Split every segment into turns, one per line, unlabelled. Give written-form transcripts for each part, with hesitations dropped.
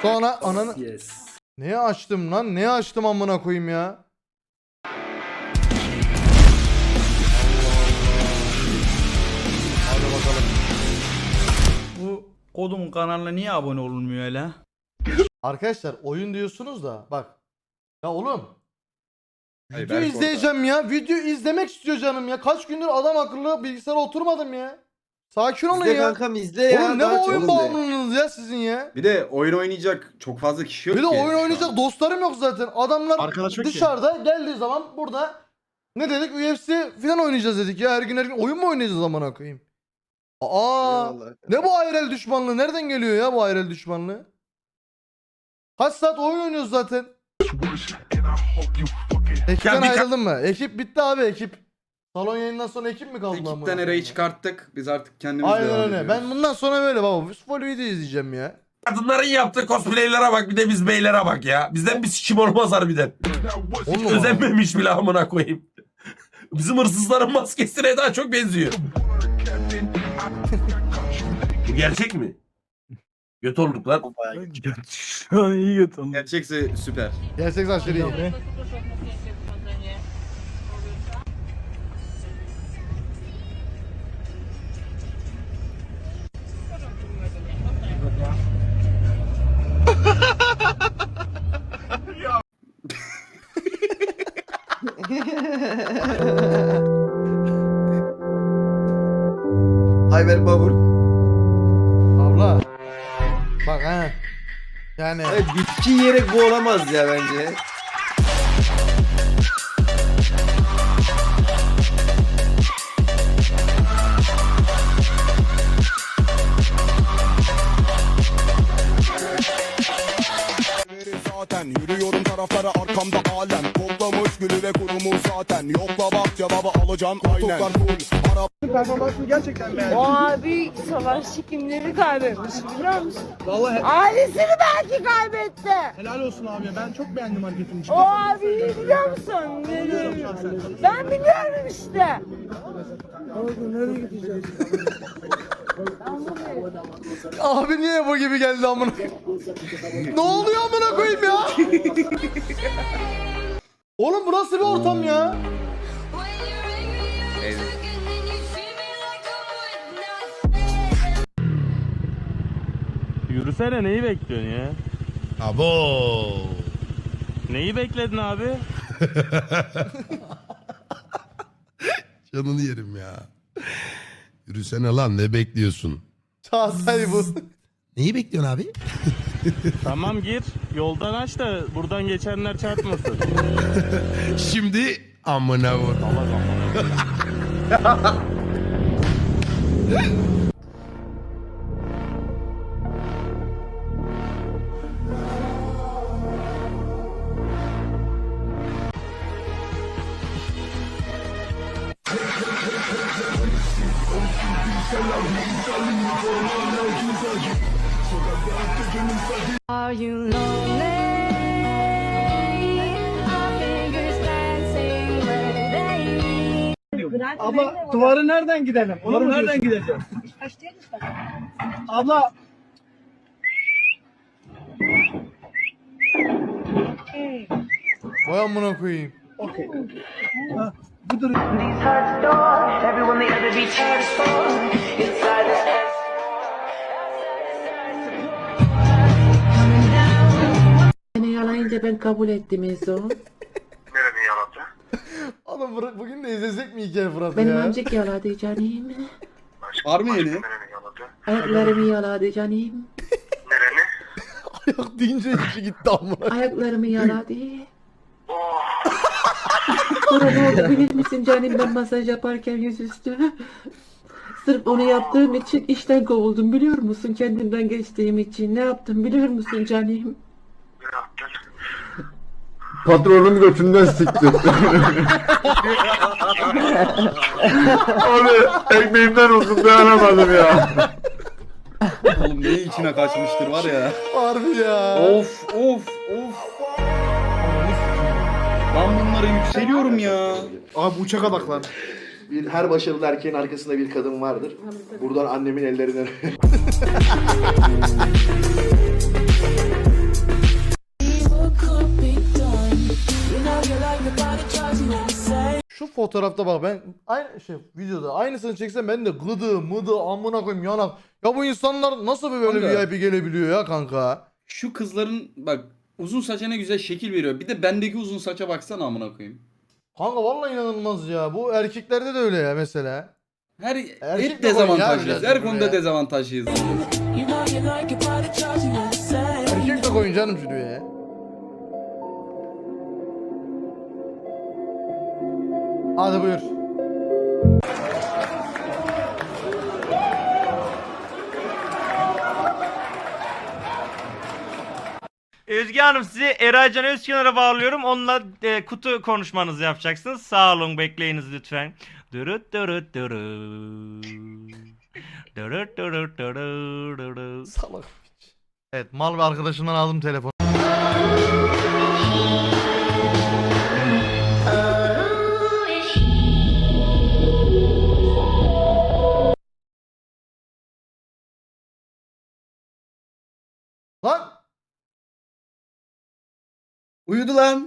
Sonra ananı...
Yes.
Neye açtım lan? Neye açtım amına koyayım ya? Hadi bakalım.
Bu kodumun kanalına niye abone olunmuyor hele?
Arkadaşlar oyun diyorsunuz da bak. Ya oğlum.
Hayır,
Video
belki
izleyeceğim ya. Video izlemek istiyor canım ya. Kaç gündür adam akıllı bilgisayara oturmadım ya. Sakin olun
İzle
ya.
kankam izle ya.
Oğlum ne
daha
bu oyun
çok-
bağımlılığınız ya sizin ya.
Bir de oyun oynayacak çok fazla kişi yok
Bir de
ki
oyun
şu an.
oynayacak dostlarım yok zaten. Adamlar
Arkadaş yok ki.
dışarıda geldiği zaman burada ne dedik? UFC falan oynayacağız dedik ya. Her gün oyun mu oynayacağız amına koyayım? Aa!
Eyvallah.
Ne bu IRL düşmanlığı? Nereden geliyor ya bu IRL düşmanlığı? Kaç saat oyun oynuyoruz zaten. Ekipten ayrıldın mı? Ekip bitti abi ekip. Salon yayından sonra ekip mi kaldı? amına
Ekipten
koyayım
Eray'ı
ya?
çıkarttık. Biz artık kendimiz
Aynen
devam
öyle.
ediyoruz.
Ben bundan sonra böyle baba. Full video izleyeceğim ya.
Kadınların yaptığı cosplaylere bak bir de biz beylere bak ya. Bizden bir sikim olmaz harbiden.
Oğlum
Özenmemiş bile amına koyayım. Bizim hırsızların maskesine daha çok benziyor. Bu gerçek mi? Göt olduk lan.
Şu an iyi götürdüm.
Gerçekse süper.
Gerçek saçları iyi.
Ayber Babur.
Abla. Bak ha. Yani.
Evet, bitki yiyerek bu olamaz ya bence.
Zaten yürüyorum taraflara arkamda alem toplamış gülü ve kurumu zaten yokla bak cevabı alacağım aynen
Performansını gerçekten beğendim.
O abi savaşçı kimleri kaybetmiş biliyor musun?
Vallahi
Ailesini belki kaybetti.
helal olsun abi. Ben çok beğendim hareketini.
O abiyi biliyor musun? Ben biliyorum işte.
Abi niye bu gibi geldi amına? Ne oluyor amına koyayım ya? Oğlum bu nasıl bir ortam ya?
Yürüsene neyi bekliyorsun ya?
Abo.
Neyi bekledin abi?
Canını yerim ya. Yürüsene lan ne bekliyorsun?
Çağatay bu.
Neyi bekliyorsun abi?
Tamam gir. Yoldan aç da buradan geçenler çarpmasın.
Şimdi amına vur.
Are you lonely? Our fingers dancing where they
Abla duvarı nereden gidelim? Duvarı nereden gideceğim? Abla
Vay amına koyayım.
okey. Budur.
Beni yalayınca ben kabul ettim Ezo.
Oğlum bugün de izlesek mi hikaye Fırat
Benim
ya?
amcık yaladı canım.
Var mı yeni?
Ayaklarımı yaladı canım.
Ayak deyince içi gitti amına.
Ayaklarımı yaladı. Sonra ne oldu bilir misin canım, ben masaj yaparken yüzüstü. Sırf onu yaptığım için işten kovuldum biliyor musun? Kendimden geçtiğim için ne yaptım biliyor musun canım?
Patronun götünden siktir. Abi ekmeğimden olsun dayanamadım ya.
Oğlum ne içine kaçmıştır var ya.
Harbi ya.
Of of of. Ben bunlara yükseliyorum ya.
Abi uçak adaklar.
Her başarılı erkeğin arkasında bir kadın vardır. Buradan annemin ellerinden
fotoğrafta bak ben aynı şey videoda aynısını çeksem ben de gıdı mıdı amına koyayım yanak. Ya bu insanlar nasıl böyle
Kanka.
VIP gelebiliyor ya kanka?
Şu kızların bak uzun saça ne güzel şekil veriyor. Bir de bendeki uzun saça baksana amına koyayım.
Kanka vallahi inanılmaz ya. Bu erkeklerde de öyle ya mesela.
Hep
de koyun ya
dezavantajlıyız.
biraz
Her
buraya.
konuda dezavantajlıyız.
Erkek de koyun canım şuraya ya. Hadi buyur.
Özge Hanım sizi Eraycan Özkenar'a bağlıyorum. Onunla kutu konuşmanızı yapacaksınız. Sağ olun bekleyiniz lütfen. Dürüt dürüt dürüt. Dürüt dürüt dürüt dürüt.
Salak piç. Evet mal ve arkadaşımdan aldım telefonu. Lan!
Uyudu lan.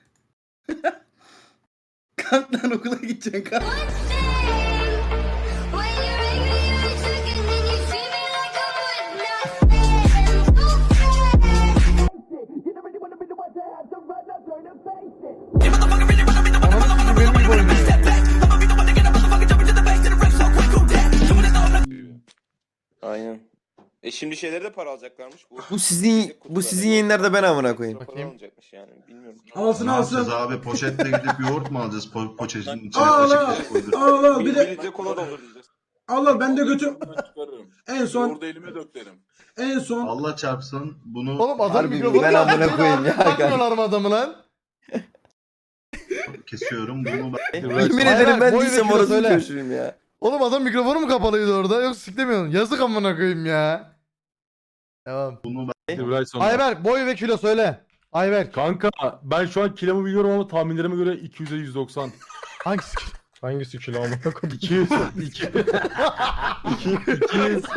Kalk lan okula gideceksin kalk.
Aynen.
Şimdi şeyleri de para alacaklarmış.
Bu sizin yayınlarda ben amına koyayım.
Bakayım.
alacakmış yani bilmiyorum.
Alsın alsın.
abi? Poşetle gidip yoğurt mu alacağız poşetin içine?
Allah bir de
Bize kola dolduracağız.
Allah ben de götür. En son
Orada elime döklerim.
en son
Allah çarpsın bunu
Oğlum adam
Harbi
mikrofonu
ben
kapattı,
amına koyayım ya.
takmıyorlar mı adamı lan?
kesiyorum bunu
Yemin ederim ben değilsem orası
çocuğum ya.
Oğlum adam mikrofonu mu kapalıydı orada? Yok siklemiyorsun. Yazık amına koyayım ya. Devam. Ayber boy ve kilo söyle. Ayber.
Kanka ben şu an kilomu biliyorum ama tahminlerime göre 200'e 190.
Hangisi kilo?
Hangisi kilo amına koyayım? 200. 200. 200.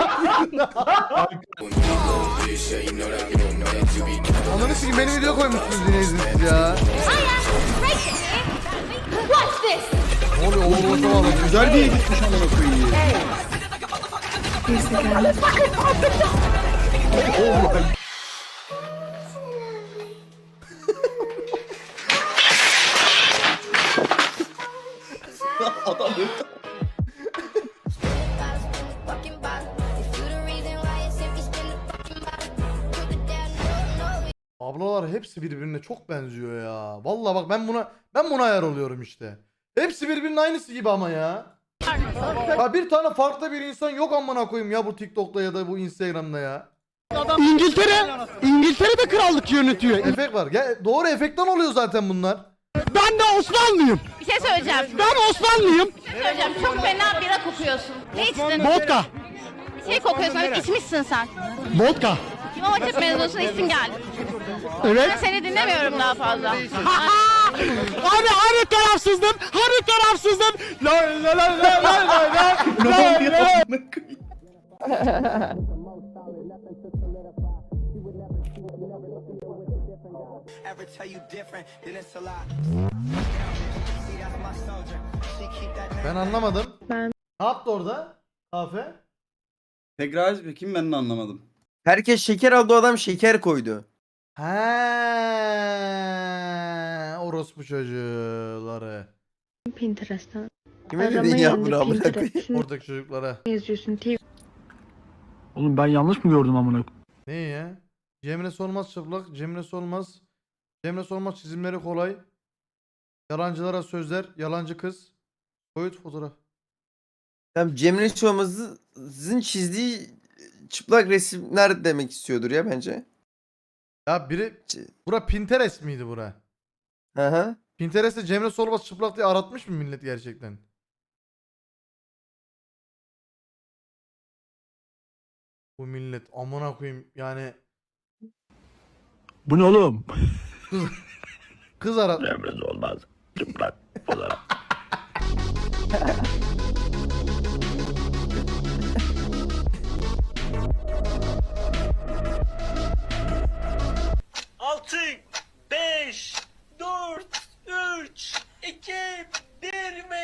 Ananı sikeyim benim video koymuşsunuz yine izinsiz ya. Ne oluyor oğlum o zaman?
Güzel bir yere gitmiş amına koyayım. Adam öldü.
Ablalar hepsi birbirine çok benziyor ya. Vallahi bak ben buna ayar oluyorum işte. Hepsi birbirinin aynısı gibi ama ya. Ya bir tane farklı bir insan yok amına koyayım ya bu TikTok'ta ya da bu Instagram'da ya.
İngiltere'de krallık yönetiyor.
Efekt var. Ya doğru efektten oluyor zaten bunlar.
Ben de Osmanlıyım.
Bir şey söyleyeceğim.
Ben Osmanlıyım.
Bir şey söyleyeceğim. Çok fena bira kokuyorsun. Ne içtin?
Vodka.
Bir şey kokuyorsun. İçmişsin sen.
Vodka.
İmam Hatip mezunusun içsin geldi.
Evet.
Ben seni dinlemiyorum daha fazla.
Abi hani tarafsızdım? Hani tarafsızdım? La la la la la la la.
Ne oluyor amına koyayım?
Ben anlamadım. Ne yaptı orada? Kahve?
Tekrar aç bakayım ben de anlamadım.
Herkes şeker aldı, o adam şeker koydu.
He, orospu çocukları.
Pinterest'ten.
Kime dedin ya bunu amına koyayım?
Oradaki çocuklara.
Yazıyorsun TV.
Oğlum ben yanlış mı gördüm amına?
Ne ya? Cemre Solmaz çıplak, Cemre Solmaz. Cemre Solmaz çizimleri kolay. Yalancılara sözler, yalancı kız. Soyut fotoğraf.
Tamam, Cemre Solmaz'ın çizdiği çıplak resimler demek istiyordur ya bence.
Ya biri bura Pinterest miydi bura?
Hı hı.
Pinterest'te Cemre Solmaz çıplak diye aratmış mı millet gerçekten? Bu millet amına koyayım yani
Bu ne oğlum?
kız arat.
Emriniz olmaz. Çıplak fotoğraf.
Altı, 5, 4, 3, 2, 1 ve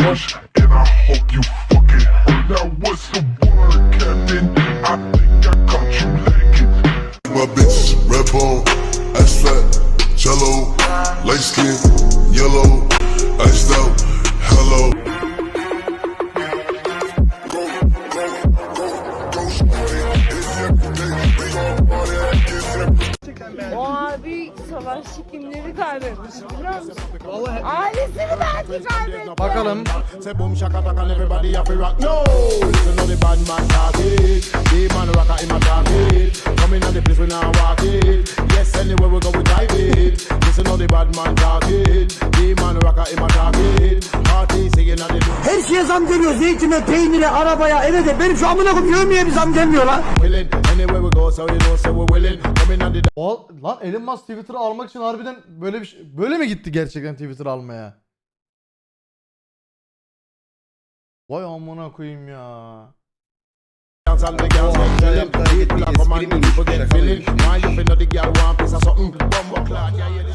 crush, and I hope you fucking hurt. Now what's the word, Captain? I think I caught you lacking. My bitch, red bone, ass fat, jello, light skin, yellow, iced out, hello.
O abi savaşçı kimleri kaybetmiş biliyor musun? Ailesini belki kaybetti.
Bakalım.
Say boom shaka taka and everybody have to rock. No, listen to the bad man talk it. The man rocker in my target. Coming on the place we now walk it. Yes, anywhere we go we dive it. Listen to the bad man talk it. The man rocker in my target. Party singing at the
Her şeye zam geliyor. Zeytine, peynire, arabaya, eve de. Benim şu amına koyayım yemeğe bir zam gelmiyor lan.
willing. Anywhere we go, so you know, so we're willing. Coming on the
Lan Elon Musk Twitter'ı almak için harbiden böyle bir şey, böyle mi gitti gerçekten Twitter almaya? Vay amına koyayım ya.
dance and the girls get chillin'. People are come and people get feeling. Why you feel the girl want piece of something? Bumbo clot, yeah, yeah, this.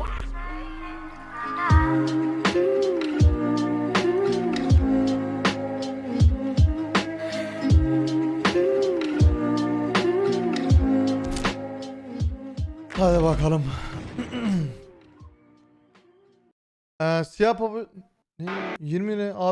Hadi bakalım. Siyah pabu... 20 lira.